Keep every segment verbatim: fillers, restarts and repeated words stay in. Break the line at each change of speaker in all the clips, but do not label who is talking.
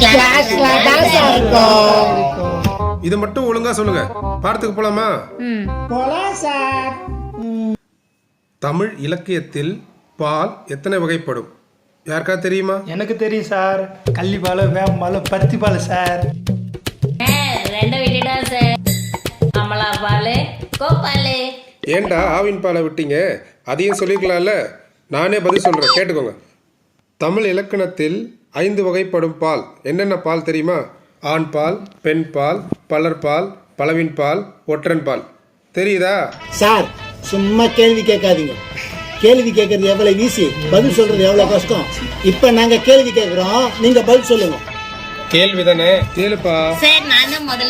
கிளாஸ்ல தான் சார் இருக்கும்.
இது மட்டும் ஒழுங்கா சொல்லுங்க. பாடத்துக்கு போலாமா?
போலாம் சார்.
தமிழ் இலக்கியத்தில் பால் எத்தனை வகைப்படும்? யாருக்கா தெரியுமா?
எனக்கு தெரியும் சார். கள்ளிப்பால், வேம்பால், பருத்திப்பால் சார்.
ரெண்டு விட்டுடா சார். அமலா பால், கோபால்.
ஏண்டா ஆவின் பாலை விட்டீங்க? அதையும் சொல்லிக்கலாம்ல. நானே பதில் சொல்றேன், கேட்டுக்கோங்க. தமிழ் இலக்கணத்தில் ஐந்து வகைப்படும் பால். என்னென்ன பால் தெரியுமா? ஆண் பால், பெண் பால், பலர் பால், பலவின் பால், ஒற்றன் பால். தெரியுதா?
சார் சும்மா கேள்வி கேட்காதீங்க. கேள்வி கேட்கறது எவ்வளவு ஈஸி, பதில் சொல்றது எவ்வளவு கஷ்டம். இப்ப நாங்க கேள்வி கேட்கிறோம், நீங்க பதில் சொல்லுங்க.
கேள்வி தானே, கேளுப்பா.
சார் நான் தான் முதல்ல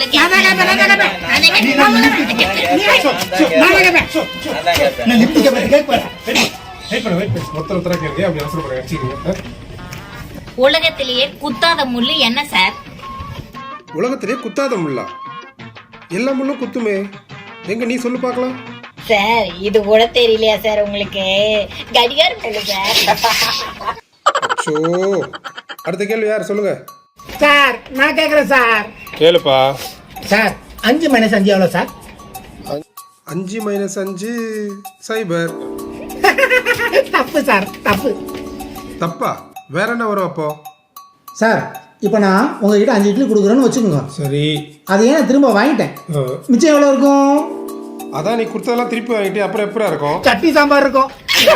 உலகத்திலேயே குத்தாத முள்ளு என்ன சார்?
உலகத்திலேயே குத்தாத முள்ளா? எல்லா முள்ளும் குத்துமே. எங்க நீ சொல்லு பார்க்கலாம்.
சார் இது கூட தெரியலையா சார் உங்களுக்கு? கடிகாரம் முள்ளு சார்.
சோ அடுத்த கேள்வி யார் சொல்லுங்க.
சார் நான் கேக்குறேன் சார்.
கேளுப்பா.
சார் அஞ்சு மைனஸ் அஞ்சு எவ்வளவு சார்?
அஞ்சு மைனஸ் அஞ்சு சைபர்.
தப்பு சார், தப்பு.
தப்பா? வேற என்ன வரும் அப்போ?
சார் இப்போ நான் உங்ககிட்ட அஞ்சு இட்லி கொடுக்குறேன்னு வச்சுக்கோங்க. சரி, அதை ஏன் திரும்ப வாங்கிட்டேன். மிச்சம் எவ்வளோ இருக்கும்?
அதான் நீ கொடுத்ததெல்லாம் திருப்பி வாங்கிட்டு அப்புறம் எப்படா இருக்கும்?
சட்னி சாம்பார் இருக்கும்.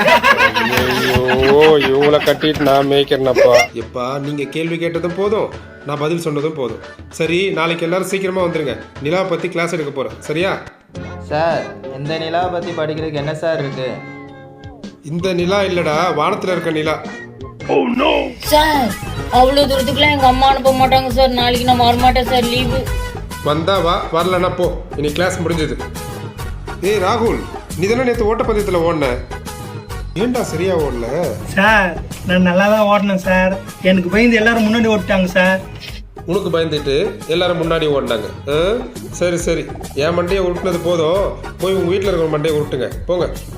ஐயோ இவங்களை கட்டிட்டு நான் மேய்க்கிறேனப்பா. எப்பா நீங்க கேள்வி கேட்டதும் போதும், நான் பதில் சொன்னதும் போதும். சரி, நாளைக்கு எல்லாரும் சீக்கிரமா வந்துருங்க. நிலா பத்தி கிளாஸ் எடுக்க போறேன், சரியா?
சார் இந்த நிலா பத்தி படிக்கிறதுக்கு என்ன சார் இருக்கு?
இந்த நிலா இல்லடா, வானத்துல இருக்க நிலா.
சார் அவ்வளவு தூரத்துக்குலாம் எங்க அம்மா அனுப்ப மாட்டாங்க சார். நாளைக்கு நான் வரமாட்டேன் சார், லீவு.
வந்தா வா, வரலன்னா போ. இனி கிளாஸ் முடிஞ்சது. ஏய் ராகுல், நீ தானே நேற்று ஓட்டப்பந்தயத்தில் ஓடின? ஏண்டா சரியா ஓடல?
சார் நான் நல்லா தான் ஓடினேன் சார். எனக்கு பயந்து எல்லாரும் முன்னாடி ஓடிட்டாங்க சார்.
உனக்கு பயந்துட்டு எல்லாரும் முன்னாடி ஓடினாங்க. சரி சரி, என் மண்டையை உருட்டுனது போதும். போய் உங்க வீட்டில் இருக்கிற மண்டையை உருட்டுங்க போங்க.